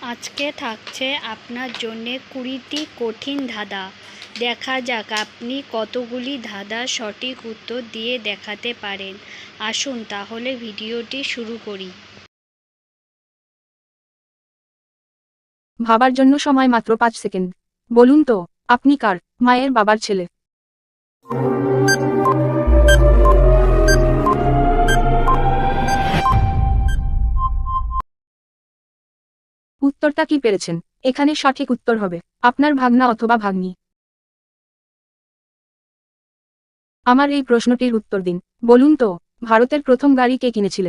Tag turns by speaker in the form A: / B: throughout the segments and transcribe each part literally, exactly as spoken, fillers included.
A: আজকে থাকছে আপনার জন্যে কুড়িটি কঠিন ধাঁধা। দেখা যাক আপনি কতগুলি ধাঁধার সঠিক উত্তর দিয়ে দেখাতে পারেন। আসুন তাহলে ভিডিওটি শুরু করি।
B: ভাবার জন্য সময় মাত্র পাঁচ সেকেন্ড। বলুন তো, আপনি কার মায়ের বাবার ছেলে? উত্তরটা কি পেরেছেন? এখানে সঠিক উত্তর হবে আপনার ভাগনা অথবা ভাগ্নি। আমার এই প্রশ্নটির উত্তর দিন। বলুন তো, ভারতের প্রথম গাড়ি কে কিনেছিলেন?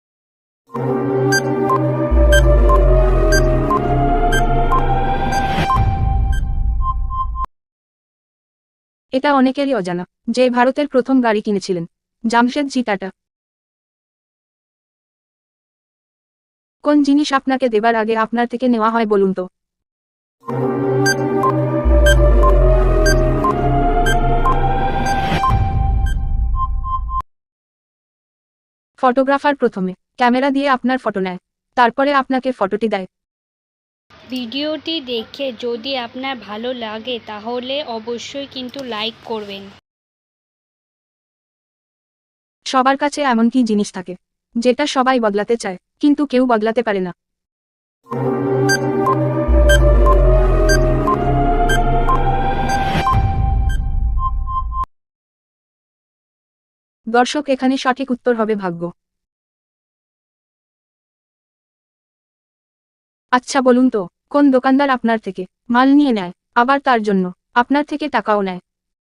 B: এটা অনেকেরই অজানা যে ভারতের প্রথম গাড়ি কিনেছিলেন জামশেদজি টাটা। কোন জিনিস আপনাকে দেবার আগে আপনার থেকে নেওয়া হয় বলুন তো? ফটোগ্রাফার প্রথমে ক্যামেরা দিয়ে আপনার ফটো নেয়, তারপরে আপনাকে ফটোটি দেয়।
A: ভিডিওটি দেখে যদি আপনার ভালো লাগে তাহলে অবশ্যই কিন্তু লাইক করবেন।
B: সবার কাছে এমন কি জিনিস থাকে যেটা সবাই বদলাতে চায় কিন্তু কেউ বদলাতে পারে না? দর্শক, এখানে সঠিক উত্তর হবে ভাগ্য। আচ্ছা বলুন তো, কোন দোকানদার আপনার থেকে মাল নিয়ে নেয়, আবার তার জন্য আপনার থেকে টাকাও নেয়?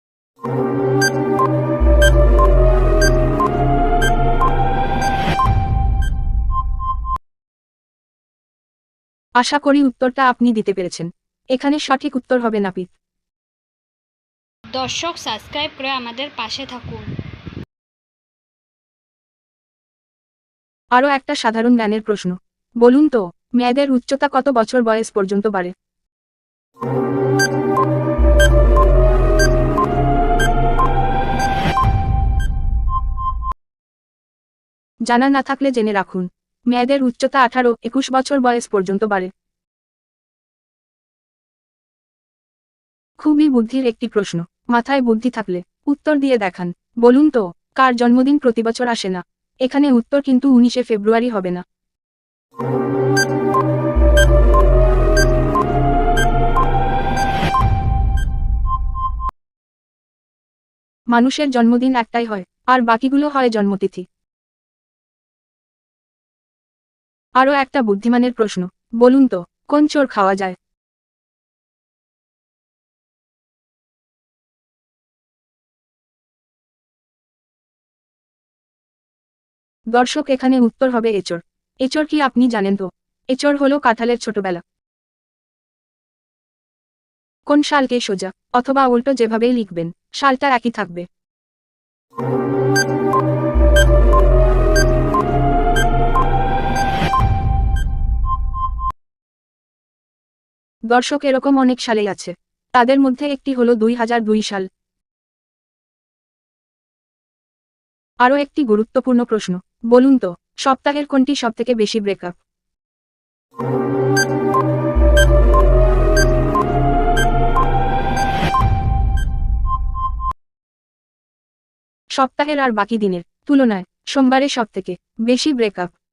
B: আশা করি উত্তরটা আপনি দিতে পেরেছেন। এখানে সঠিক উত্তর হবে নাপিত।
A: দর্শক, সাবস্ক্রাইব করে আমাদের পাশে থাকুন।
B: আরও একটা সাধারণ জ্ঞানের প্রশ্ন। বলুন তো, মেয়েদের উচ্চতা কত বছর বয়স পর্যন্ত বাড়ে? জানা না থাকলে জেনে রাখুন, মেয়েদের উচ্চতা আঠারো একুশ বছর বয়স পর্যন্ত বাড়ে। খুবই বুদ্ধির একটি প্রশ্ন। মাথায় বুদ্ধি থাকলে উত্তর দিয়ে দেখান। বলুন তো, কার জন্মদিন প্রতি বছর আসে না? এখানে উত্তর কিন্তু উনিশে ফেব্রুয়ারি হবে না। মানুষের জন্মদিন একটাই হয়, আর বাকিগুলো হয় জন্মতিথি। আরও একটা বুদ্ধিমানের প্রশ্ন। বলুন তো, কোন চোর খাওয়া যায়? দর্শক, এখানে উত্তর হবে এচোর। এচোর কি আপনি জানেন তো? এচোর হলো কাঁঠালের ছোটবেলা। কোন সালকে সোজা অথবা উল্টো যেভাবেই লিখবেন, সালটা একই থাকবে। দর্শক, এরকম অনেক সালেই আছে, তাদের মধ্যে একটি হলো দুই হাজার দুই সাল। আরও একটি গুরুত্বপূর্ণ প্রশ্ন। বলুন তো, সপ্তাহের কোনটি সবথেকে বেশি ব্রেকআপ? সপ্তাহের আর বাকি দিনের তুলনায় সোমবারে সবথেকে বেশি ব্রেকআপ।